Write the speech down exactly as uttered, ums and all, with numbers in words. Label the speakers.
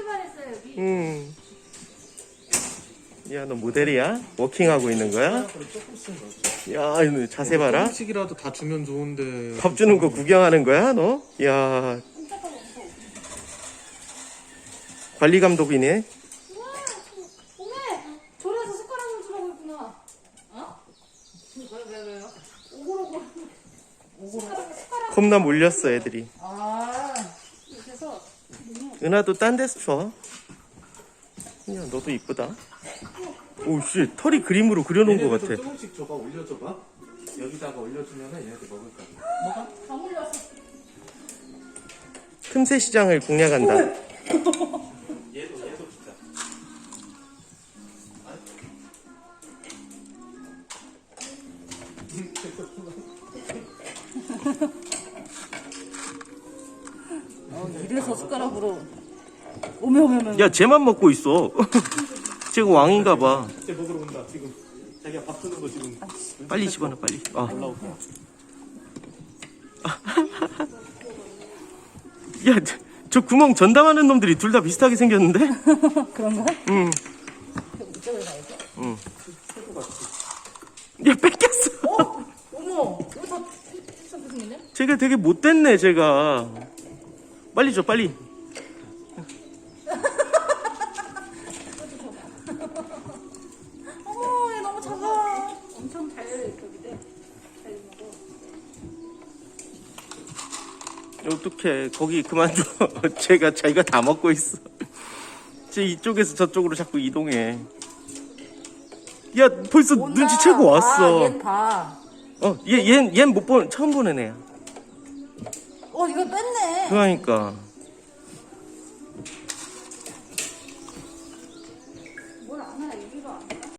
Speaker 1: 출발했어요 여기.
Speaker 2: 음. 야, 너 모델이야? 워킹하고 있는 거야? 야, 이거 자세 봐라.
Speaker 3: 조금씩이라도 다 주면 좋은데.
Speaker 2: 밥 주는 거 구경하는 거야, 너? 야, 관리 감독이네.
Speaker 1: 우와, 오메 저래서 숟가락을 주라고 했구나. 어? 왜, 왜, 왜요? 오글오글. 숟가락, 숟가락.
Speaker 2: 겁나 몰렸어, 애들이.
Speaker 1: 아, 그래서.
Speaker 2: 은하도 딴 데서 줘. 야, 너도 이쁘다. 오, 씨, 털이 그림으로 그려놓은 것 같아.
Speaker 3: 조금씩 줘봐, 올려줘봐. 여기다가 올려주면은 얘네들 먹을 거야.
Speaker 1: 뭐가? 다 몰렸어.
Speaker 2: 틈새 시장을 공략한다.
Speaker 3: 얘도, 얘도 진짜.
Speaker 4: 어, 이래서 숟가락으로 오메 오메 오메.
Speaker 2: 야, 쟤만 먹고 있어. 쟤가 왕인가 봐.
Speaker 3: 이제 먹으러 온다, 지금. 자기가 밥 주는 거 지금.
Speaker 2: 빨리 집어넣어, 빨리. 아.
Speaker 3: 올라올게.
Speaker 2: 야, 저, 저 구멍 전담하는 놈들이 둘 다 비슷하게 생겼는데?
Speaker 4: 그런가?
Speaker 2: 응.
Speaker 4: 이쪽으로 가야지.
Speaker 2: 응. 야, 뺏겼어.
Speaker 4: 어? 어머, 이거 다 비슷하게 생겼네?
Speaker 2: 쟤가 되게 못됐네, 쟤가. 빨리 줘, 빨리.
Speaker 4: 어머, 얘 너무 작아.
Speaker 1: 엄청 잘 열려있거든. 잘 먹어.
Speaker 2: 어떡해. 거기 그만둬. 쟤가 자기가 다 먹고 있어. 쟤 이쪽에서 저쪽으로 자꾸 이동해. 야, 벌써
Speaker 4: 온다.
Speaker 2: 눈치채고 왔어.
Speaker 4: 아, 얘 봐.
Speaker 2: 어, 얘, 얘, 얜 못 본, 처음 보는 애야.
Speaker 4: 어, 이거 뺐네.
Speaker 2: 그러니까.